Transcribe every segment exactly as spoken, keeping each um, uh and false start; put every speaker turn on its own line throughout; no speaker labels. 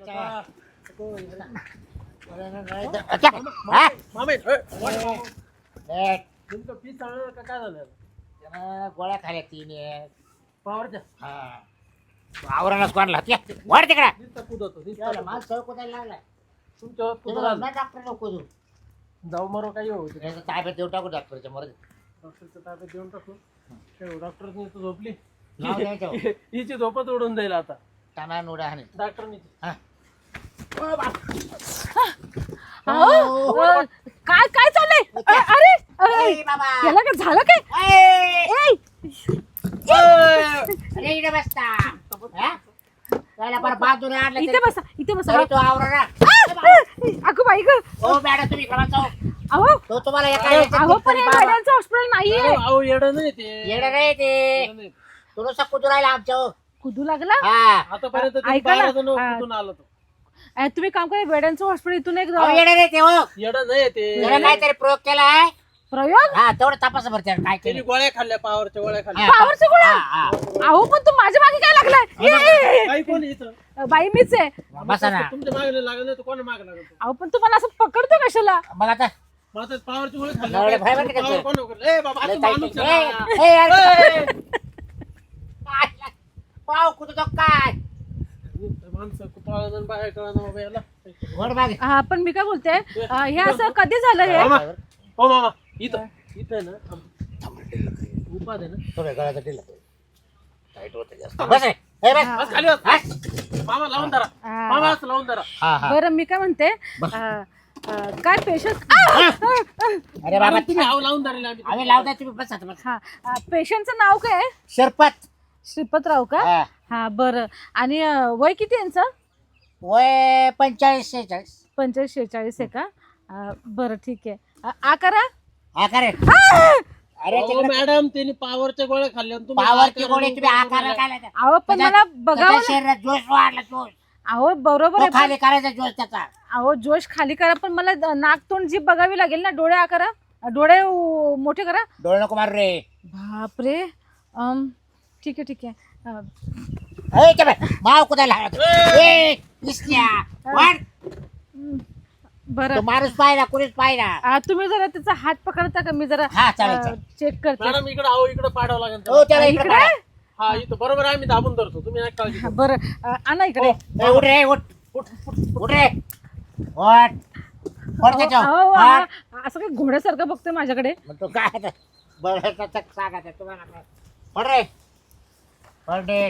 मामे तुमचं पीस आणलं का काय झालं?
गोळ्या खाल्या तीन
पावरच्या
आवरानच कोणला वाढ तिकडा
नुसतं कुदतो, नुसतं
मला
कुदतो.
माल सळ कोणाला लागलाय
तुमच्यावर
तुला
कुदला.
ना डॉक्टर नको देऊ
जाऊ मारो काही होऊ दे.
याचा ताब्यात देऊ टाकू डॉक्टरच्या मर
डॉक्टरच्या ताब्यात देऊन टाकू. काय डॉक्टरनी तर झोपली.
नाव द्यायचं
हिची झोपच उडून जाईल आता.
टाना नोडा हाणे
डॉक्टरनी
हा
अहो, अ, काय काय चाललंय अ, अरे अरे,
ए बाबा
याला काय झालं काय
ए
ए,
अरे इकडे बसता हा त्याला पर बाजूला आणलं
इथे
तरी-
बसा इथे बसा
तरी तो आवरा
अगं बाई ग
हो मॅडम तुम्ही करा जाऊ
अहो
तो तुम्हाला एका
अहो,
याच्यात
अहो पण
तरी
हे
बाबा.
मॅडमचं हॉस्पिटल नाहीये
अहो येडं नाही ते.
येणं नाही ते
येडं नाही.
तुला कुदू राहिला आमच्या हो.
कुदू लागला
हा
आतापर्यंत
ऐका ना.
बारा जण
हा.
कुठून आलं तो.
अ, तुम्ही काम करा वेड्यांचं हॉस्पिटल इथून एक
अहो, येणं नाही ते हो
येडं नाही ते.
त्याला काहीतरी प्रयोग केलाय
प्रयोग
हा तेवढं तपास भरते काय
त्यांनी
केलं
गोळ्या खाल्ल्या पावरच्या गोळ्या खाल्ल्या.
हा.
पावरच्या गोळ्या?
हा, हा.
अहो पण तू माझ्या मागे काय लागलाय ए, ए, ए,
काही कोण इथं
ए, बाई मीच आहे
बसा ना
तुमच्या मागे लागलं नाही तर कोणा मागे लागलं तो?
अहो पण तू मला असं पकडतो कशाला
मग आता
मग आता पावरची गोळी
एवढे
खाल्ली
भय बरं का
पावर
ते?
कोण उघडलं? ए बाबा
लय
तू
ताईट
माणूस
आहे.
आहे ना.
ए, ए, अरे,
ए,
काय? पाव कुठं काय
माणसं कुपाळानं बाहेर कळलं बाबा याला.
घोड मागे
हा पण मी काय बोलते अ, हे असं कधी झालं हे
मामा हो मामा इथं इथं आहे ना उपाद आहे ना
थोडं गळ्याचं ढिलं. टाईट होतं जास्त. बस रे. ए, बस.
बस खाली बस.
बस.
मामा लावून धरा
हा.
मामा असं लावून धरा.
हा, हा.
बरं मी काय म्हणते
बस.
अ, अ, काय पेशंट
अरे बाबा
तुम्ही हाव लावून धरले आम्ही
आम्ही लावताय तुम्ही बस आता बस.
हा पेशंटचं नाव काय आहे?
शरपत
श्रीपतराव का
हा.
हा बरं आणि अ, वय किती यांचं
वय पंचेचाळीस शेहेचाळीस
पंचेचाळीस शेहेचाळीस आहे का अ, बरं ठीक आहे अ, आकारा
हा का रे
आ!
अरे
अहो,
तिकडे
मॅडम त्यांनी पावरच्या गोळ्या खाल्ल्या आणि तुम्ही
पावरची
आकाराने
गोळी तुम्ही आकार
गोळ्या
काय लावता?
अहो पण
त्याच्या-
मला बघावं
त्याच्या शरीरात जोश वाढला जोश
अहो बरोबर
तो
आहे पण-
खाली करायचा जोश त्याचा
अहो जोश खाली करा पण मला द- नाक तोंड जीभ बघावी लागेल ना डोळे आकारा डोळे उ- मोठे करा
डोळे नको मारू रे
बापरे अम, ठीक आहे ठीक आहे अ,
ए, इथे बघ. माव कुदायला ए इसल्या वाढ
हं, बरं
तो माणूस पाहिला कुणीच पाहिला
अ, तुम्ही जरा त्याचा हात पकडता का मी जरा
हा, चालेल, चालेल.
चेक करते
मॅडम इकडे आहो इकडे पाडावं लागेल
हो
त्याला.
त्याला इकडे
इकडे
पाडा.
हा इथं बरोबर आहे, आम्ही दाबून धरतो तुम्ही नाही काळजी
हा,
करू.
बरं अ, आणा इकडे
ए, उठ रे उठ
उठ, उठ.
उठ रे उठ पड त्याच्यावर
अहो, अहो,
पड.
अहो, असं काही घोड्यासारखं बघतोय माझ्याकडे
मग तो काय आता? बरं त्याचं सांगायचं तुम्हाला काय पड रे पड रे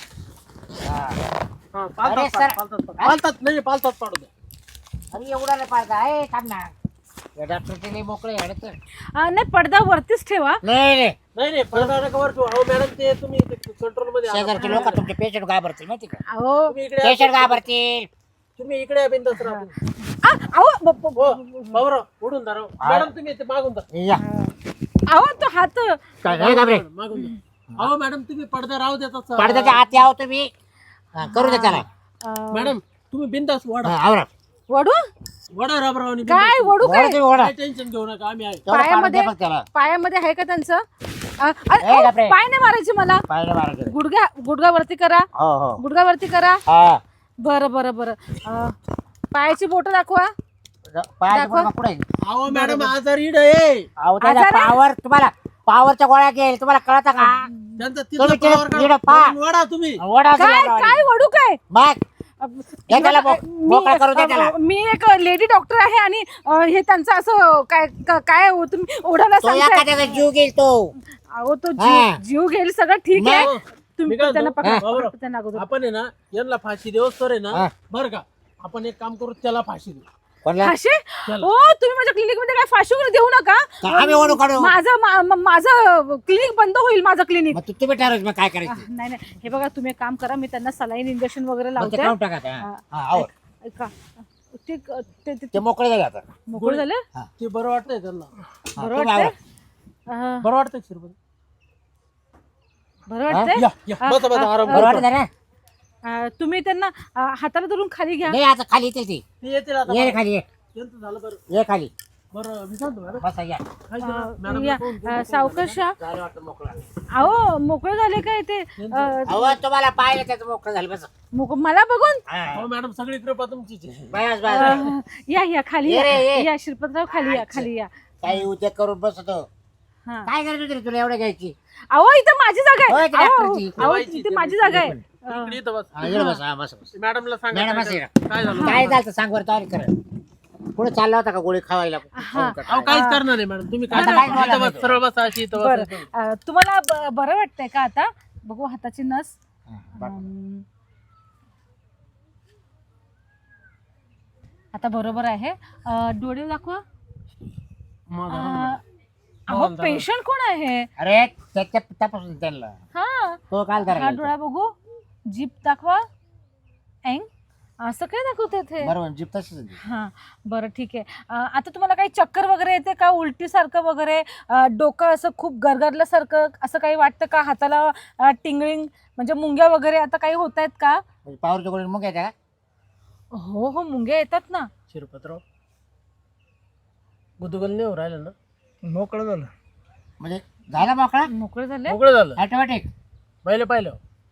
हा.
हा,
अरे,
पालतात
सर.
पालतात पालतात. पालतात नाही पालतात पाडू द्या.
अरे एवढा नाही पाहिजे ए थांब ना या डॉक्टरचे लई मोकळे आहे तर
अ, नाही पडदा वरतीच ठेवा
नाही रे
नाही नाही पडदा नका वर ठेवू. अहो मॅडम ते तुम्ही कंट्रोल मध्ये आणा.
शेजारचे लोक तुमचे पेशंट घाबरतील माहिती का
अहो
तुम्ही इकडे या.
पेशंट घाबरतील
तुम्ही इकडे या बिंदास राहा तुम्ही.
आ, अहो ब- ब-
हो बाबराव उडून धरा मॅडम तुम्ही इथे मागून धरा
या
अहो तो हात
काय नाही घाबरे
मागून धरा. अहो मॅडम तुम्ही पडदा राहू देतात
पडद्याच्या आत यावं तुम्ही हा, करू दे त्याला
अ,
मॅडम तुम्ही बिंदास वडा
हा, आवरा
वडू
वडा राबरावनी
काय वडू
ओढा
काय
तुम्ही ओढा
काय टेन्शन घेऊ नका आम्ही आहे
तेवढं पाडून
पायामध्ये
द्या फक्त त्याला
पायामध्ये आहे का त्यांचं अ, अरे,
ए,
अहो,
बापरे.
पाय नाही मारायचे मला
पाहिलं मारा
गुडघ्या गुडघा वरती करा
हो हो
गुडघा वरती करा
हा
बरं बरं बरं अ, पायाची बोट दाखवा
पायाचं
दाखवा.
बोट पुढे
अहो मॅडम आजार इड आहे
अहो त्याचा
आजार आहे?
पावर तुम्हाला पावरच्या गोळ्या घेईल तुम्हाला कळतं का
त्यांचा
तुम्ही
तिथं power
तिकडे
का-
पहा.
म्हणून वडा तुम्ही
ओढा
काय काय वडू काय
मग
अ,
द्या त्याला मोक-
मी
मोकळा करू द्या त्याला.
अ, मी एक लेडी डॉक्टर आहे आणि अ, हे त्यांचं असं काय का- काय हो, तुम्ही ओढायला
तो
सांगताय
एखाद्याचा जीव घेईल तो
अहो तो
हा.
जीव जीव घेईल सगळं ठीक आहे
मग,
तुम्ही
मी काय
त्यांना
म्हणतो,
पकडा
बाबूराव,
पकडा त्यांना अगोदर
आपण आहे ना यांना फाशी देऊस तर आहे
हा.
ना बरं का आपण एक काम करू त्याला फाशी देऊ
कोणला
फाशी
चला.
हो तुम्ही माझ्या क्लिनिक मध्ये काय फाशी वगैरे देऊ नका
का आम्ही ओढू काढू
माझं मा- म- माझं क्लिनिक बंद होईल माझं क्लिनिक
मग तू तुम्ही ठरव मग काय करायचं
नाही नाही हे बघा तुम्ही एक काम करा मी त्यांना सलाईन इंजेक्शन वगैरे
मग ते
लावते
काढून टाका आता.
हा.
हा, आवर.
ऐका ते ते- ते-
ते मोकळे झाले आता
मोकळं झालं
ते बरं वाटतंय त्यांना
हा,
बरं
तुम्ही
वाटतंय
आवर.
अं,
बरं वाटतंय शिरपत
बरं वाटतंय
या या
हा,
बसा बसा
हा,
आराम
हा.
बरं
करा.
वाटत ना
अं, तुम्ही त्यांना अं, हाताला धरून खाली घ्या
नाही आता खाली येतील ती
ते येतील आता
ये रे
बरं.
खाली ये
त्यांचं झालं बरं
ये खाली
बरं मी सांगतो मॅडम
बसा या
काय केलं?
अं,
मॅडम
या,
कोण- कोण-
अं, सावकाश या.
झालं वाटतं मोकळा
अहो मोकळं झाले काय ते अं,
अहो तुम्हाला पाहिलं त्याचं मोकळं झालं बस
मोक- मला बघून
हो मॅडम सगळी कृपा तुमचीच आहे.
बस बस
अं, या या खाली
ये रे,
या
ये.
या श्रीपतराव खाली या खाली या
काही उद्योग करून बसतो
हा
काय करायचं होतं रे तुला एवढं घ्यायची
अहो इथं माझी जागा
होय,
आहे
ती
अहो,
डॉक्टरची.
अहो,
ठेवायची,
इथे
ती
माझी जागा आहे
इकडे इथं बस.
हा, इकडे बस हा बस बस
मॅडमला सांगा
मॅडम
काय
बस
झालं? काय झालं
काय झालं सांग बरं तयारी कर पुढे चालला होता का गोळी खावायला
हा.
अहो काहीच करणार नाही मॅडम तुम्ही काय
आता काय बोला
इथं बस
नाही.
सरळ बसा अशी इथं
बरं
बसा.
अं, तुम्हाला ब- बरं वाटतंय का आता बघू हाताची नस
हा, बघ.
अं, आता बरोबर आहे अं, डोळे दाखवा
मग
अं, अहो पेशंट कोण आहे
अरे त्याच्या तपासून त्यांना
हा
तो काल
हा
धरायला
डोळा बघू जीप दाखवा एंग असं काय दाखवते ते
बरोबर जीप तशीच होती.
हा बरं ठीक आहे अं, आता तुम्हाला काही चक्कर वगैरे येते का उलटीसारखं वगैरे अं, डोकं असं खूप गरगरल्यासारखं असं काही वाटतं का हाताला अं, टिंगलिंग म्हणजे मुंग्या वगैरे आता काही होत आहेत का
म्हणजे पावरच्या गोळी मग येत्या का
हो हो मुंग्या येतात ना
शिरपतराव गुदगुल नाही हो राहिलं ना
मोकळं झालं.
म्हणजे झाला मोकळा
मोकळे झाले
मोकळं झालं
ऑटोमॅटिक
पहिले पाहिलं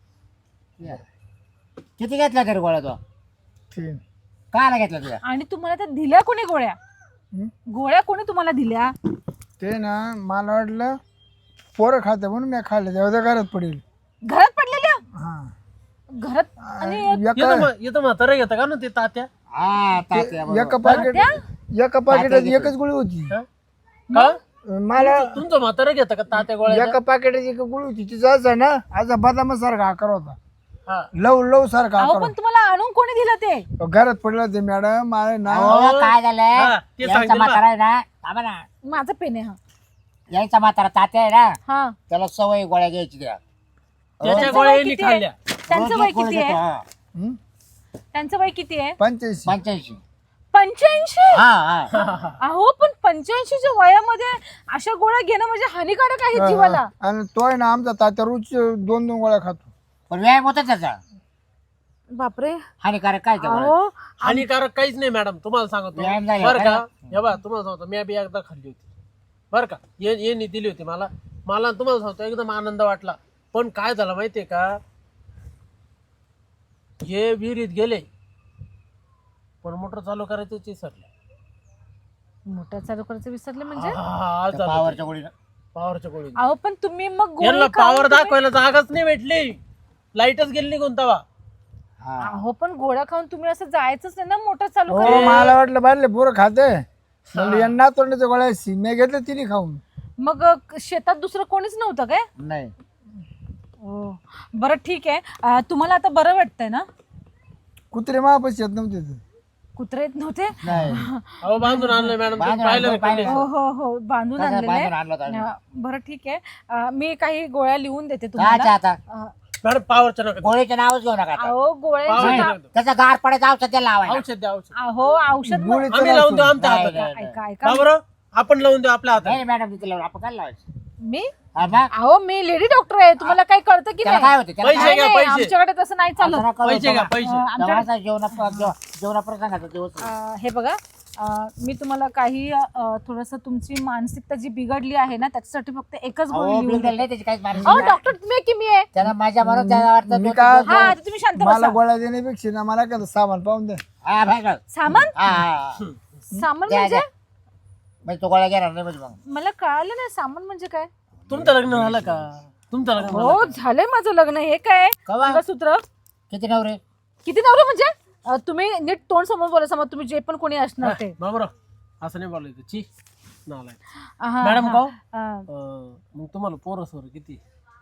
किती घेतला तरी गोळ्या तो
तीन.
कायला घेतला तुझ्या
आणि तुम्हाला त्या दिल्या कोणी गोळ्या
हं?
गोळ्या कोणी तुम्हाला दिल्या
ते ना मला वाटलं पोरं खाते म्हणून मी खाल्लं तेव्हा त्या घरात पडेल.
घरात पडलेल्या
हा
घरात आणि
एका
येतं म- येतं म्हातारा घेतं का ना ते तात्या
हा तात्या बरोबर.
एका पाकिट एका पाकिटात
घेतलं.
एकच गोळी होती.
हा? का
मला
तुमचं म्हातारा घेतं का तात्या गोळ्या
एका पाकिटात एक गोळी होती तिचा असा ना आज बदाम सारखा आकार होता
हा
लव लव सारखा
अहो
आकार
पण तुम्हाला आणून कोणी दिलं ते
होता. घरात पडलं ते मॅडम मला ना
अहो, काय झालंय
हा, ते
यायचा
सांगतील
म्हातारा आहे ना थांबा ना
माझा पेन आहे हा
यायचा म्हातारा तात्या आहे ना
हा
त्याला सवय गोळ्या घ्यायची द्या
त्याच्या
त्यांचं
गोळ्या
वय
यांनी
किती आहे?
खाल्ल्या
त्यांचं
रोज
वय
एक गोळी
किती
घेतो,
आहे
हा.
हं?
त्यांचं वय किती आहे
पंच्याऐंशी
पंच्याऐंशी
पंच्याऐंशी
हा हा
अहो पण पंच्याऐंशीच्या वयामध्ये अशा गोळ्या घेणं म्हणजे हानिकारक आहे जीवाला
आणि तो आहे ना आमचा तात्या रोज दोन दोन गोळ्या खातो.
पण व्यायाम होता त्याचा
बापरे
हानिकारक काय त्या गोळ्या?
अहो
हानिकारक काहीच नाही मॅडम तुम्हाला सांगतो
व्यायाम झाला,
बरं का
काय?
हे बा तुम्हाला सांगतो मी बी एकदा खाल्ली होती बरं का ये यांनी दिली होती मला मला तुम्हाला सांगतो एकदम आनंद वाटला पण काय झालं माहितीये का हे विहिरीत गेले पण मोटर चालू करायचं ते सरले
मोठा चालू करायचं विसरले म्हणजे
त्या पावरच्या गोळीनं
पॉवरच्या गोळी
अहो पण तुम्ही मग गोळी
यांना
खाऊन
पॉवर
तुम्ही-
दाखवायला जागाच नाही भेटली लाईटच गेली निघून तवा
हा
अहो पण गोळ्या खाऊन तुम्ही असं जायचंच नाही ना मोठं चालू
हो
करायला
मला वाटलं बाहेरले पोरं खाते म्हणलं यांना तोंडाच्या गोळ्या सिमे घेतलं तिने खाऊन.
मग अ, शेतात दुसरं कोणीच नव्हतं काय
नाही
हो बरं ठीक आहे अ, तुम्हाला आता बरं वाटतंय ना
कुत्रे महापाशी येत नव्हते ते.
कुत्रे येत नव्हते
नाही
अहो बांधून आणलं मॅडम
बांधून
पाहिलं
आणलं,
ना
पाहिलं.
हो हो हो बांधून
कसं
आणलेले
बांधून आणलं होतं आम्ही?
अ, बरं ठीक आहे अ, मी काही गोळ्या लिहून देते
कायच्या
तुम्हाला
आता
अ,
मॅडम पॉवरच्या नका
गोळीचं नावच घेऊ नका आता.
अहो गोळ्यांची
पावर
ना-
नका.
त्याचा गार पडायचा औषध त्याला लावायला
औषध द्या औषध
अहो औषध मग-
गोळीचं
आम्ही लावून देऊ आमच्या
नाही,
हातात
नाही, नाही.
ऐका ऐका
का बरं आपण लावून देऊ आपल्या हातात
नाही मॅडम तिथे लावून आपण काय लावायचं
मी
हा, मग?
अहो मी लेडी डॉक्टर आहे तुम्हाला काही कळतं की
त्याला
नाही
काय होते त्याला
पैसे
काय-
घ्या,
नाही,
पैसे.
आमच्याकडे तसं नाही चालत
असं नका करू
पैसे घ्या
बाबा.
पैसे
अ, आमच्याकडे
जेवणाचा जेवणा जेव- जेवणापर्यंत सांगायचं दिवस
अ, हे बघा अ, मी तुम्हाला काही थोडस तुमची मानसिकता जी बिघडली आहे ना त्याच्यासाठी फक्त एकच गोळी
अहो
लिहून
बिल
द्या.
नाही त्याची काहीच मानसिक
अहो
नाही.
डॉक्टर तुम्ही की मी आहे
त्याला माझ्या म्हणून त्याला वाटतं
मी
तो-
काय-
तो-
हा आता तुम्ही शांत
मला
बसा
गोळ्या देण्यापेक्षा ना मला काय सामान पाहून द्या.
हा भाई बघ.
सामान
हा, हा, हा.
सामान
द्या,
म्हणजे
द्या. म्हणजे तो गोळ्या घेणार नाही म्हणजे मग
मला कळालं नाही सामान म्हणजे काय
तुमचं लग्न झालं का तुमचं लग्न झालं
हो झालंय माझं लग्न हे काय
कवा?
मंगळसूत्र
किती नवरे
किती नवरे म्हणजे अ, तुम्ही नीट तोंड समोर बोला समोर तुम्ही जे पण कोणी असणार ते
बाबूराव असं नाही बोलायचं ची नालाय
हा,
मॅडम
हा.
का हो?
अ,
अं, मग तुम्हाला पोरं सोर किती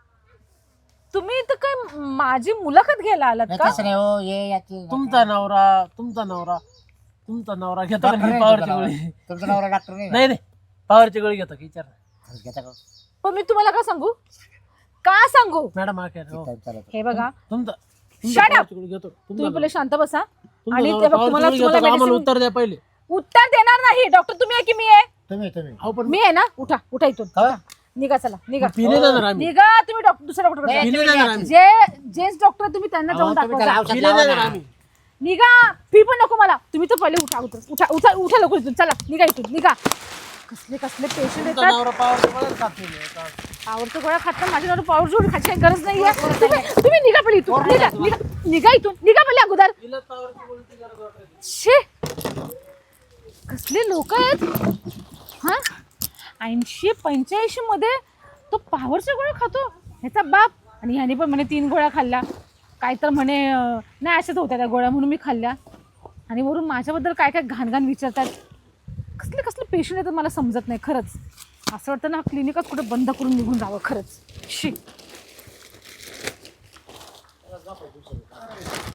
तुम्ही तर काय माझी मुलाखत घ्यायला आलात
नाही
का
तसं नाही हो ये याची
तुमचा नवरा तुमचा नवरा तुमचा नवरा घेतो का
डॉक्टर
नाही
नाही
पॉवरची
तुमचा
गोळी
नवरा. तुमचा नवरा डॉक्टर नाही ना?
नाही नाही पॉवरची गोळी घेतो की विचार
खरंच घेता का?
पण मी तुम्हाला का सांगू का सांगू
मॅडम हा काय हो.
काय चालत.
हे बघा
तुमचा
Shut up!
पॉवरची गोळी घेतो तुमचा
तुम्ही पहिले शांत बसा
तुमचा
आणि
नवरा
ते बघ,
पॉवरची
तुम्हाला
गोळी घेतो
तुम्हाला
का? आम्हाला
medicine-
उत्तर द्या पहिले
उत्तर देणार नाही डॉक्टर तुम्ही आहे की मी आहे
तुम्ही तुम्ही
हो पण
मी आहे ना उठा उठा इथून
का?
निघा चला निघा
पिणे देणार आम्ही
निघा तुम्ही डॉक्टर दुसऱ्या डॉक्टर
नाही,
पिणे
तुम्ही
देणार
या.
आम्ही
जे जेंट्स डॉक्टर तुम्ही त्यांना
अहो,
जाऊन
तुम्ही त्याला
दाखवा
औषध
पिणे
लावा
देणार
ना.
आम्ही
निघा. फी पण नको मला. तुम्ही तर पहिले उठा उठा उठा उठा उठा लवकर इथून. चला निघा इथून निघा. कसले कसले पेशंट
तुमचा
येतात.
नवरा पावर मला खात नाही आता.
पावरचं गोळ्या खात ना. माझ्यावर पावर जोड खायची काही गरज नाहीये. तुम्ही तुम्ही निघा पहिले इथून. निघा निघा निघा इथून. निघा पहिले अगोदर.
तिला पावरची उलटी गरज वाटते.
शे कसले लोक आहेत हा. ऐंशी पंच्याऐंशी मध्ये तो पावरच्या गोळ्या खातो ह्याचा बाप. आणि ह्याने पण म्हणे तीन गोळ्या खाल्ल्या. काय तर म्हणे अं, नाही अशाच होत्या त्या गोळ्या म्हणून मी खाल्ल्या. आणि वरून माझ्याबद्दल काय काय घाण घाण विचारतात. कसले कसले पेशंट येतात मला समजत नाही खरंच. असं वाटतं ना क्लिनिकच कुठे बंद करून निघून जावं खरंच. शी